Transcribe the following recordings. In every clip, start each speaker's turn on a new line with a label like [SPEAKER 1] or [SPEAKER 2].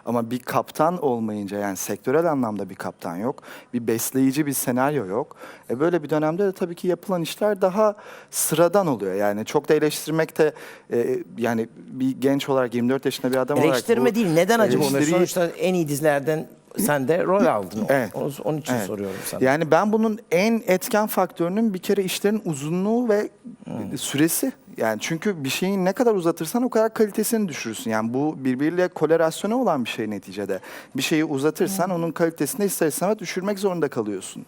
[SPEAKER 1] Ama bir kaptan olmayınca, yani sektörel anlamda bir kaptan yok. Bir besleyici bir senaryo yok. Böyle bir dönemde de tabii ki yapılan işler daha sıradan oluyor. Yani çok da eleştirmek de yani bir genç olarak 24 yaşında bir adam olarak
[SPEAKER 2] Eleştirme
[SPEAKER 1] bu
[SPEAKER 2] değil. Neden acaba olmuyor?
[SPEAKER 1] eleştiriyi-
[SPEAKER 2] Sonuçta en iyi dizilerden sen de rol aldın.
[SPEAKER 1] Evet.
[SPEAKER 2] Onun için
[SPEAKER 1] Evet.
[SPEAKER 2] soruyorum sana.
[SPEAKER 1] Yani ben bunun en etken faktörünün bir kere işlerin uzunluğu ve süresi. Yani çünkü bir şeyi ne kadar uzatırsan o kadar kalitesini düşürürsün. Yani bu birbiriyle korelasyonu olan bir şey neticede. Bir şeyi uzatırsan onun kalitesini ister istemez düşürmek zorunda kalıyorsun.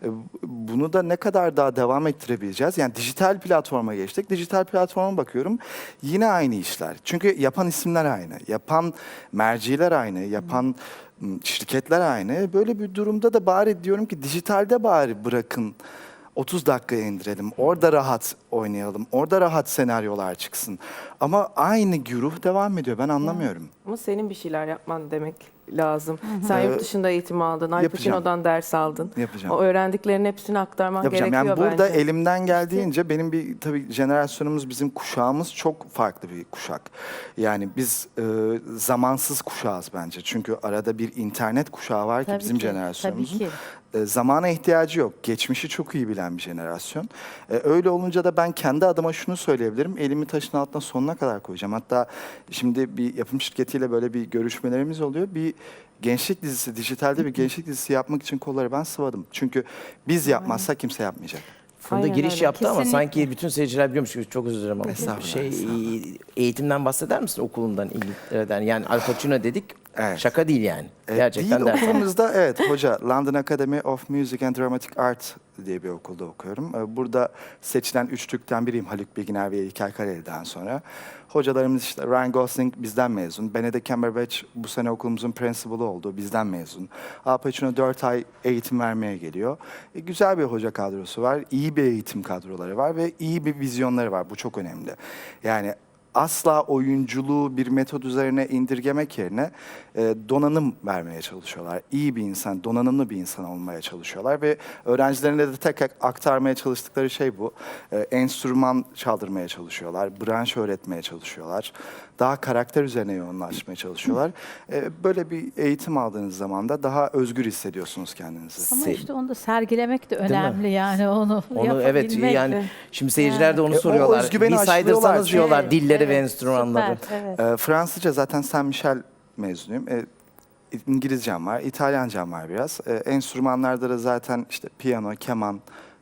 [SPEAKER 1] Bunu da ne kadar daha devam ettirebileceğiz? Yani dijital platforma geçtik. Dijital platforma bakıyorum. Yine aynı işler. Çünkü yapan isimler aynı. Yapan merciler aynı. Yapan şirketler aynı. Böyle bir durumda da bari diyorum ki dijitalde bari bırakın 30 dakikaya indirelim. Orada rahat oynayalım. Orada rahat senaryolar çıksın. Ama aynı güruh devam ediyor. Ben anlamıyorum.
[SPEAKER 3] Ama senin bir şeyler yapman demek lazım. Sen yurt dışında eğitim aldın, Al
[SPEAKER 1] yapacağım.
[SPEAKER 3] Pacino'dan ders aldın.
[SPEAKER 1] Yapacağım.
[SPEAKER 3] O öğrendiklerinin hepsini aktarman
[SPEAKER 1] Yapacağım.
[SPEAKER 3] gerekiyor
[SPEAKER 1] Yani burada
[SPEAKER 3] bence.
[SPEAKER 1] elimden geldiğince benim bir tabii jenerasyonumuz, bizim kuşağımız çok farklı bir kuşak. Yani biz zamansız kuşağız bence. Çünkü arada bir internet kuşağı var ki
[SPEAKER 4] Tabii
[SPEAKER 1] bizim
[SPEAKER 4] ki,
[SPEAKER 1] jenerasyonumuzun.
[SPEAKER 4] tabii ki.
[SPEAKER 1] Zamana ihtiyacı yok. Geçmişi çok iyi bilen bir jenerasyon. Öyle olunca da ben kendi adıma şunu söyleyebilirim. Elimi taşın altına sonuna kadar koyacağım. Hatta şimdi bir yapım şirketiyle böyle bir görüşmelerimiz oluyor. Bir gençlik dizisi, dijitalde bir gençlik dizisi yapmak için kolları ben sıvadım. Çünkü biz yapmazsak kimse yapmayacak.
[SPEAKER 2] Funda
[SPEAKER 3] Aynen
[SPEAKER 2] giriş
[SPEAKER 3] öyle.
[SPEAKER 2] yaptı ama
[SPEAKER 4] Kesinlikle.
[SPEAKER 2] sanki bütün seyirciler biliyormuş gibi, çok özür dilerim ama.
[SPEAKER 1] Estağfurullah, estağfurullah.
[SPEAKER 2] Eğitimden bahseder misin, okulundan, İngiltere'den? Yani Al Pacino dedik,
[SPEAKER 1] Evet.
[SPEAKER 2] şaka değil yani. Gerçekten
[SPEAKER 1] Değil,
[SPEAKER 2] ders almış.
[SPEAKER 1] okulumuzda evet hoca London Academy of Music and Dramatic Art diye bir okulda okuyorum. Burada seçilen 3 Türk'ten biriyim, Haluk Bilginer ve İlker Kaleli'den sonra. Hocalarımız işte Ryan Gosling bizden mezun. Benedict Cumberbatch bu sene okulumuzun principal'ı oldu, bizden mezun. Al Pacino 4 ay eğitim vermeye geliyor. Güzel bir hoca kadrosu var, iyi bir eğitim kadroları var ve iyi bir vizyonları var. Bu çok önemli. Yani asla oyunculuğu bir metod üzerine indirgemek yerine donanım vermeye çalışıyorlar. İyi bir insan, donanımlı bir insan olmaya çalışıyorlar ve öğrencilerine de tek aktarmaya çalıştıkları şey bu. Enstrüman çaldırmaya çalışıyorlar, branş öğretmeye çalışıyorlar. Daha karakter üzerine yoğunlaşmaya çalışıyorlar. Böyle bir eğitim aldığınız zaman da daha özgür hissediyorsunuz kendinizi.
[SPEAKER 4] Ama
[SPEAKER 2] Se-
[SPEAKER 4] işte onu da sergilemek de
[SPEAKER 2] mi?
[SPEAKER 4] önemli yani onu
[SPEAKER 2] Evet
[SPEAKER 4] yapabilmek
[SPEAKER 2] yani
[SPEAKER 4] de.
[SPEAKER 2] şimdi seyirciler de onu
[SPEAKER 1] o
[SPEAKER 2] soruyorlar.
[SPEAKER 1] özgüveni
[SPEAKER 2] Bir saydırsanız
[SPEAKER 1] aşılıyorlar.
[SPEAKER 2] diyorlar
[SPEAKER 4] Evet,
[SPEAKER 2] dilleri ve
[SPEAKER 4] evet,
[SPEAKER 2] enstrümanları.
[SPEAKER 4] süper, evet.
[SPEAKER 1] Fransızca zaten Saint Michel mezunuyum. İngilizcem var, İtalyancam var biraz. Enstrümanlarda da zaten işte piyano, keman,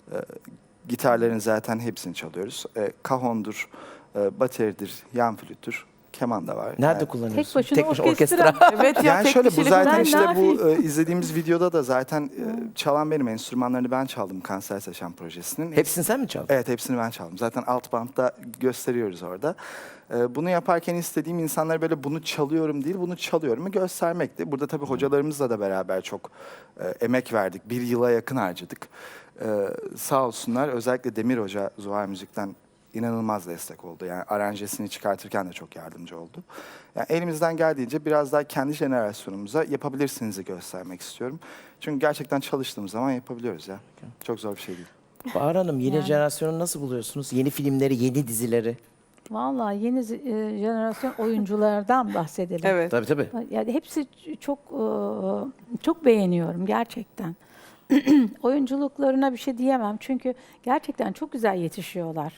[SPEAKER 1] gitarların zaten hepsini çalıyoruz. Kahondur, bateridir, yan flüttür, keman da var.
[SPEAKER 2] Nerede
[SPEAKER 1] Yani,
[SPEAKER 2] kullanıyorsun?
[SPEAKER 4] Tek başına orkestra.
[SPEAKER 3] Evet ya,
[SPEAKER 1] yani
[SPEAKER 3] tek
[SPEAKER 1] şöyle bu
[SPEAKER 3] kişilik
[SPEAKER 1] zaten
[SPEAKER 4] ben
[SPEAKER 1] işte
[SPEAKER 4] ne
[SPEAKER 1] bu
[SPEAKER 4] yapayım?
[SPEAKER 1] izlediğimiz videoda da zaten çalan benim, enstrümanlarını ben çaldım Kanser Seçen projesinin.
[SPEAKER 2] Hepsini sen mi çaldın?
[SPEAKER 1] Evet, hepsini ben çaldım. Zaten alt bantta gösteriyoruz orada. Bunu yaparken istediğim insanlara böyle bunu çalıyorum değil, bunu çalıyorumu göstermekti. Burada tabii hocalarımızla da beraber çok emek verdik. Bir yıla yakın harcadık. Sağ olsunlar, özellikle Demir Hoca Zuhal Müzik'ten inanılmaz destek oldu. Yani aranjesini çıkartırken de çok yardımcı oldu. Yani elimizden geldiğince biraz daha kendi jenerasyonumuza yapabilirsiniz'i göstermek istiyorum. Çünkü gerçekten çalıştığımız zaman yapabiliyoruz ya. Çok zor bir şey değil.
[SPEAKER 2] Bahar Hanım, yeni
[SPEAKER 4] Yani.
[SPEAKER 2] jenerasyonu nasıl buluyorsunuz? Yeni filmleri, yeni dizileri.
[SPEAKER 4] Vallahi yeni jenerasyon oyunculardan bahsedelim.
[SPEAKER 3] Evet.
[SPEAKER 2] Tabii tabii.
[SPEAKER 4] Yani hepsi çok beğeniyorum gerçekten. Oyunculuklarına bir şey diyemem çünkü gerçekten çok güzel yetişiyorlar.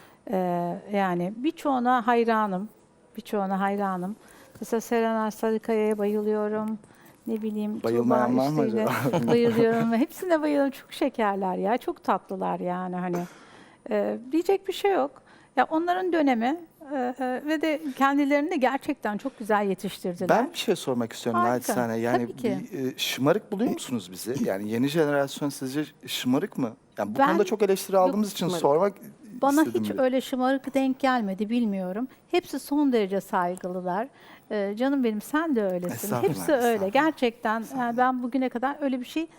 [SPEAKER 4] Yani birçoğuna hayranım. Birçoğuna hayranım. Mesela Serenay Sarıkaya'ya bayılıyorum. Ne bileyim
[SPEAKER 1] Bayılmayan var mı
[SPEAKER 4] Tuğba Üstü'yle
[SPEAKER 1] acaba?
[SPEAKER 4] bayılıyorum. Hepsine bayılıyorum. Çok şekerler ya. Çok tatlılar yani hani. Diyecek bir şey yok. Ya onların dönemi ve de kendilerini de gerçekten çok güzel yetiştirdiler.
[SPEAKER 1] Ben bir şey sormak istiyorum
[SPEAKER 4] Harika.
[SPEAKER 1] naçizane. Yani
[SPEAKER 4] Tabii ki.
[SPEAKER 1] şımarık buluyor musunuz bizi? Yani yeni jenerasyon sizce şımarık mı? Yani bu
[SPEAKER 4] Ben-
[SPEAKER 1] konuda çok eleştiri aldığımız için
[SPEAKER 3] şımarık.
[SPEAKER 1] sormak
[SPEAKER 4] Bana
[SPEAKER 1] istedim.
[SPEAKER 4] hiç
[SPEAKER 1] bir.
[SPEAKER 4] öyle şımarık denk gelmedi, bilmiyorum. Hepsi son derece saygılılar. Canım benim, sen de öylesin.
[SPEAKER 1] Estağfurullah,
[SPEAKER 4] Hepsi öyle.
[SPEAKER 1] estağfurullah.
[SPEAKER 4] Gerçekten yani ben bugüne kadar öyle bir şey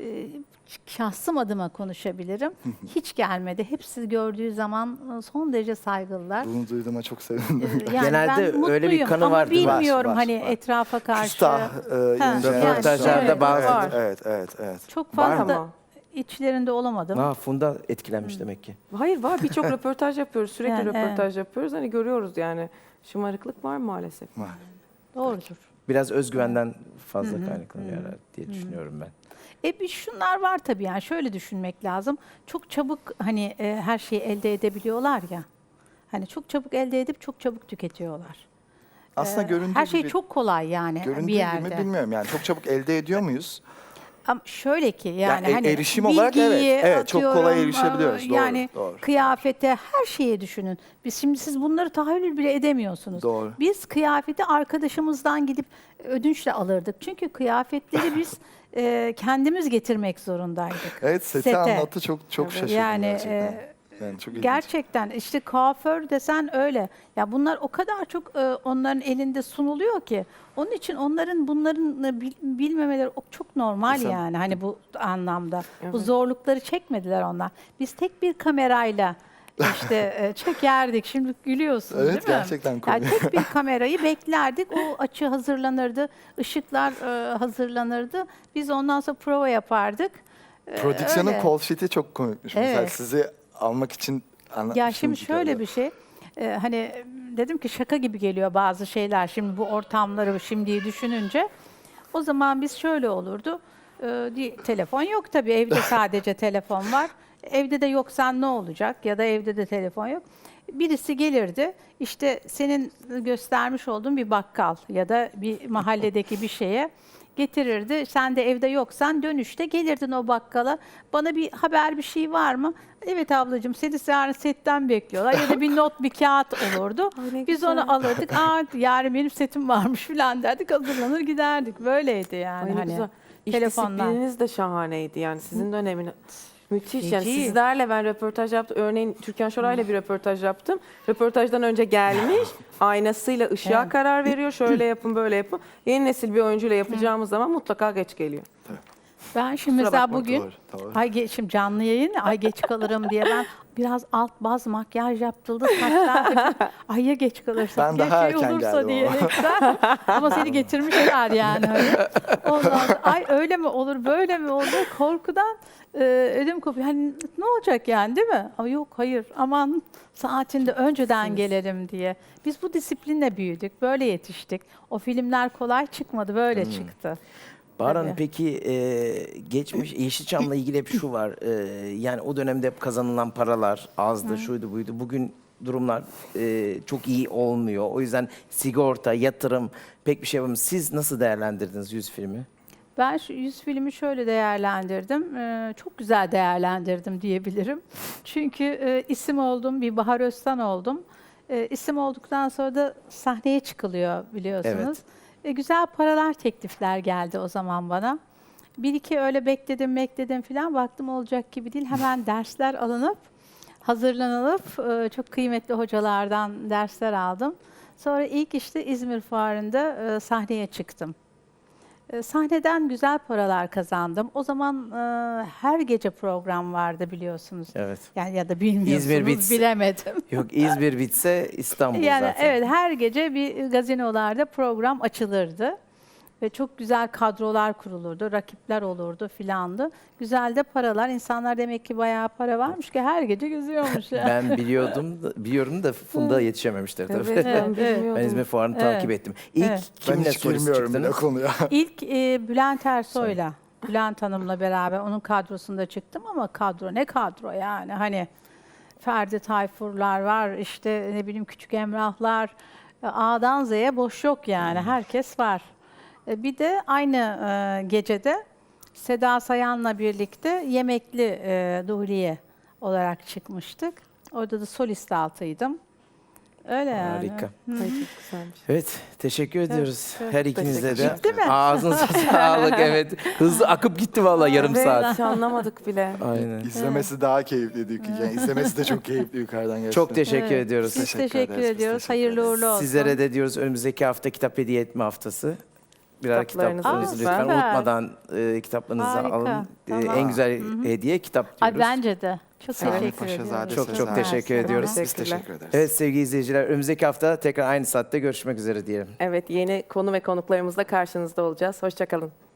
[SPEAKER 4] şahsım adıma konuşabilirim. Hiç gelmedi. Hepsi gördüğü zaman son derece saygılılar.
[SPEAKER 1] Bunu duyduğuma çok sevindim.
[SPEAKER 4] Yani
[SPEAKER 2] Genelde
[SPEAKER 4] ben
[SPEAKER 2] öyle bir
[SPEAKER 4] mutluyum
[SPEAKER 2] kanı
[SPEAKER 4] ama
[SPEAKER 2] vardır. Var,
[SPEAKER 4] bilmiyorum
[SPEAKER 1] var,
[SPEAKER 4] hani
[SPEAKER 1] var.
[SPEAKER 4] etrafa karşı.
[SPEAKER 1] Küstah, yeni
[SPEAKER 4] yani
[SPEAKER 2] Röportajlarda
[SPEAKER 4] şöyle,
[SPEAKER 2] bazı-
[SPEAKER 4] var.
[SPEAKER 1] Evet.
[SPEAKER 4] Çok
[SPEAKER 1] Var
[SPEAKER 4] fazla
[SPEAKER 3] mı?
[SPEAKER 4] içlerinde olamadım.
[SPEAKER 2] Funda etkilenmiş demek ki.
[SPEAKER 3] Hayır, var, birçok röportaj yapıyoruz. Sürekli
[SPEAKER 4] Yani,
[SPEAKER 3] röportaj yapıyoruz. Hani görüyoruz yani. Şımarıklık var maalesef.
[SPEAKER 1] Var.
[SPEAKER 4] Doğrudur.
[SPEAKER 2] Biraz özgüvenden fazla kaynaklanıyor herhalde diye düşünüyorum ben.
[SPEAKER 4] Bir şunlar var tabii, yani şöyle düşünmek lazım. Çok çabuk hani her şeyi elde edebiliyorlar ya. Hani çok çabuk elde edip çok çabuk tüketiyorlar.
[SPEAKER 1] Aslında göründüğü
[SPEAKER 4] Her şey
[SPEAKER 1] gibi,
[SPEAKER 4] çok kolay yani
[SPEAKER 1] göründüğü
[SPEAKER 4] bir yerde.
[SPEAKER 1] gibi bilmiyorum yani çok çabuk elde ediyor muyuz?
[SPEAKER 4] Ama şöyle ki yani
[SPEAKER 1] Yani
[SPEAKER 4] hani
[SPEAKER 1] erişim olarak evet,
[SPEAKER 4] bilgiyi
[SPEAKER 1] evet, çok kolay
[SPEAKER 4] atıyorum,
[SPEAKER 1] erişebiliyoruz. Doğru,
[SPEAKER 4] yani
[SPEAKER 1] doğru.
[SPEAKER 4] kıyafete, her şeye düşünün. Şimdi siz bunları tahayyül bile edemiyorsunuz.
[SPEAKER 1] Doğru.
[SPEAKER 4] Biz kıyafeti arkadaşımızdan gidip ödünçle alırdık. Çünkü kıyafetleri biz kendimiz getirmek zorundaydık.
[SPEAKER 1] Evet, seti
[SPEAKER 4] Sete.
[SPEAKER 1] anlattı, çok şaşırdım
[SPEAKER 4] Yani
[SPEAKER 1] gerçekten. Yani çok ilginç.
[SPEAKER 4] gerçekten işte kuaför desen öyle. Ya bunlar o kadar çok onların elinde sunuluyor ki. Onun için bunların bilmemeleri çok normal
[SPEAKER 1] Mesela-
[SPEAKER 4] yani. Hani bu anlamda. Bu
[SPEAKER 3] Evet.
[SPEAKER 4] zorlukları çekmediler onlar. Biz tek bir kamerayla işte çekerdik. Şimdi gülüyorsunuz
[SPEAKER 1] Evet,
[SPEAKER 4] değil mi?
[SPEAKER 1] gerçekten
[SPEAKER 4] Yani
[SPEAKER 1] komik.
[SPEAKER 4] tek bir kamerayı beklerdik. O açı hazırlanırdı. Işıklar hazırlanırdı. Biz ondan sonra prova yapardık.
[SPEAKER 1] Prodüksiyonun
[SPEAKER 4] öyle.
[SPEAKER 1] call sheet'i çok komikmiş. Mesela
[SPEAKER 4] Evet.
[SPEAKER 1] sizi almak için
[SPEAKER 4] Ya
[SPEAKER 1] anlatmıştım.
[SPEAKER 4] şimdi şöyle bir şey, hani dedim ki şaka gibi geliyor bazı şeyler. Şimdi bu ortamları şimdiyi düşününce, o zaman biz şöyle olurdu. Telefon yok tabii, evde sadece telefon var. Evde de yoksan ne olacak, ya da evde de telefon yok. Birisi gelirdi, işte senin göstermiş olduğun bir bakkal ya da bir mahalledeki bir şeye getirirdi. Sen de evde yoksan dönüşte gelirdin o bakkala. Bana bir haber, bir şey var mı? Evet ablacığım, seni yarın setten bekliyorlar. Ya da bir not, bir kağıt olurdu.
[SPEAKER 3] Ay ne
[SPEAKER 4] Biz
[SPEAKER 3] güzel.
[SPEAKER 4] onu alırdık. Yarın benim setim varmış falan derdik. Hazırlanır giderdik. Böyleydi yani.
[SPEAKER 3] Ay ne
[SPEAKER 4] hani
[SPEAKER 3] güzel. İş
[SPEAKER 4] telefondan.
[SPEAKER 3] disiplininiz de şahaneydi yani sizin dönemin. Müthiş yani
[SPEAKER 4] Feci.
[SPEAKER 3] sizlerle ben röportaj yaptım. Örneğin Türkan Şoray'la bir röportaj yaptım. Röportajdan önce gelmiş aynasıyla ışığa
[SPEAKER 4] Evet.
[SPEAKER 3] karar veriyor. Şöyle yapın böyle yapın. Yeni nesil bir oyuncuyla yapacağımız zaman mutlaka geç geliyor.
[SPEAKER 4] Ben şimdi
[SPEAKER 3] Kusura
[SPEAKER 4] mesela
[SPEAKER 3] bakma,
[SPEAKER 4] bugün
[SPEAKER 1] doğru.
[SPEAKER 4] şimdi canlı yayın, geç kalırım diye ben biraz alt baz makyaj yaptırıldı, saçlar ay ya geç kalırsın,
[SPEAKER 1] Ben
[SPEAKER 4] ya
[SPEAKER 1] daha
[SPEAKER 4] şey
[SPEAKER 1] erken
[SPEAKER 4] olursa
[SPEAKER 1] geldim
[SPEAKER 4] diyerekten. Ama seni getirmişler yani. Hani. Ondan sonra, ay öyle mi olur, böyle mi olur, korkudan ödüm kopuyor. Hani ne olacak yani, değil mi? Ama yok, hayır, aman saatinde önceden gelelim diye. Biz bu disiplinle büyüdük, böyle yetiştik. O filmler kolay çıkmadı, böyle çıktı.
[SPEAKER 2] Bahar Hanım,
[SPEAKER 4] Tabii.
[SPEAKER 2] peki geçmiş Yeşilçam'la ilgili hep şu var. Yani o dönemde hep kazanılan paralar azdı, şuydu buydu. Bugün durumlar çok iyi olmuyor. O yüzden sigorta, yatırım pek bir şey yapamıyoruz. Siz nasıl değerlendirdiniz 100 filmi?
[SPEAKER 4] Ben şu 100 filmi şöyle değerlendirdim. Çok güzel değerlendirdim diyebilirim. Çünkü isim oldum, bir Bahar Öztan oldum. İsim olduktan sonra da sahneye çıkılıyor biliyorsunuz. Güzel paralar, teklifler geldi o zaman bana. Bir iki öyle bekledim falan, baktım olacak gibi değil. Hemen dersler alınıp, hazırlanılıp çok kıymetli hocalardan dersler aldım. Sonra ilk işte İzmir Fuarı'nda sahneye çıktım. Sahneden güzel paralar kazandım. O zaman her gece program vardı biliyorsunuz.
[SPEAKER 2] Evet.
[SPEAKER 4] Yani ya da bilmiyorsunuz,
[SPEAKER 2] İzmir bitse-
[SPEAKER 4] bilemedim.
[SPEAKER 2] Yok, İzmir bitse İstanbul
[SPEAKER 4] Yani
[SPEAKER 2] zaten.
[SPEAKER 4] evet, her gece bir gazinolarda program açılırdı. Ve çok güzel kadrolar kurulurdu, rakipler olurdu filandı. Güzel de paralar. İnsanlar demek ki bayağı para varmış ki her gece geziyormuş yani.
[SPEAKER 2] Ben biliyorum da Funda yetişememiştir tabii.
[SPEAKER 3] Evet, ben
[SPEAKER 4] Evet,
[SPEAKER 3] bilmiyordum.
[SPEAKER 2] Ben İzmir Fuarı'nı
[SPEAKER 4] Evet.
[SPEAKER 2] takip ettim. İlk
[SPEAKER 4] Evet.
[SPEAKER 1] Ben
[SPEAKER 2] kiminle
[SPEAKER 1] hiç
[SPEAKER 2] solist
[SPEAKER 1] girmiyorum bile
[SPEAKER 2] çıktınız?
[SPEAKER 1] konuya.
[SPEAKER 4] İlk Bülent Ersoy'la, Bülent Hanım'la beraber onun kadrosunda çıktım ama kadro ne kadro yani, hani Ferdi Tayfurlar var, işte ne bileyim Küçük Emrahlar, A'dan Z'ye boş yok yani, herkes var. Bir de aynı gecede Seda Sayan'la birlikte Yemekli Duhliye olarak çıkmıştık. Orada da solist altıydım. Öyle yani.
[SPEAKER 2] Harika.
[SPEAKER 3] Ay çok güzelmiş.
[SPEAKER 2] Evet, teşekkür ediyoruz.
[SPEAKER 3] evet,
[SPEAKER 2] Her ikinize de.
[SPEAKER 3] teşekkür
[SPEAKER 4] ederim. Bitti mi?
[SPEAKER 2] Ağzınıza sağlık, evet. Hızlı akıp gitti vallahi yarım
[SPEAKER 3] Evet,
[SPEAKER 2] saat.
[SPEAKER 3] hiç anlamadık bile.
[SPEAKER 2] Aynen.
[SPEAKER 1] İzlemesi daha keyifliydi. Yani izlemesi de çok keyifli yukarıdan gerçekten.
[SPEAKER 2] Çok teşekkür
[SPEAKER 4] Evet.
[SPEAKER 2] ediyoruz.
[SPEAKER 4] Biz
[SPEAKER 1] Teşekkür
[SPEAKER 4] teşekkür
[SPEAKER 1] ederiz, biz
[SPEAKER 4] ediyoruz.
[SPEAKER 1] teşekkür
[SPEAKER 4] Hayırlı uğurlu olsun.
[SPEAKER 2] Sizlere de diyoruz önümüzdeki hafta kitap hediye etme haftası. Birer
[SPEAKER 3] Kitaplarınızı
[SPEAKER 2] kitaplarınızı lütfen
[SPEAKER 4] süper.
[SPEAKER 2] unutmadan kitaplarınızı
[SPEAKER 4] Harika,
[SPEAKER 2] alın.
[SPEAKER 4] tamam.
[SPEAKER 2] En güzel hediye kitap
[SPEAKER 4] Ay
[SPEAKER 2] diyoruz.
[SPEAKER 4] bence de. Çok
[SPEAKER 1] Sami
[SPEAKER 4] teşekkür
[SPEAKER 1] Paşazade
[SPEAKER 4] ediyoruz.
[SPEAKER 2] Çok
[SPEAKER 1] Sezen.
[SPEAKER 2] teşekkür ediyoruz.
[SPEAKER 1] Biz teşekkür ederiz.
[SPEAKER 2] Evet sevgili izleyiciler, önümüzdeki hafta tekrar aynı saatte görüşmek üzere diyelim.
[SPEAKER 3] Evet, yeni konu ve konuklarımızla karşınızda olacağız. Hoşça kalın.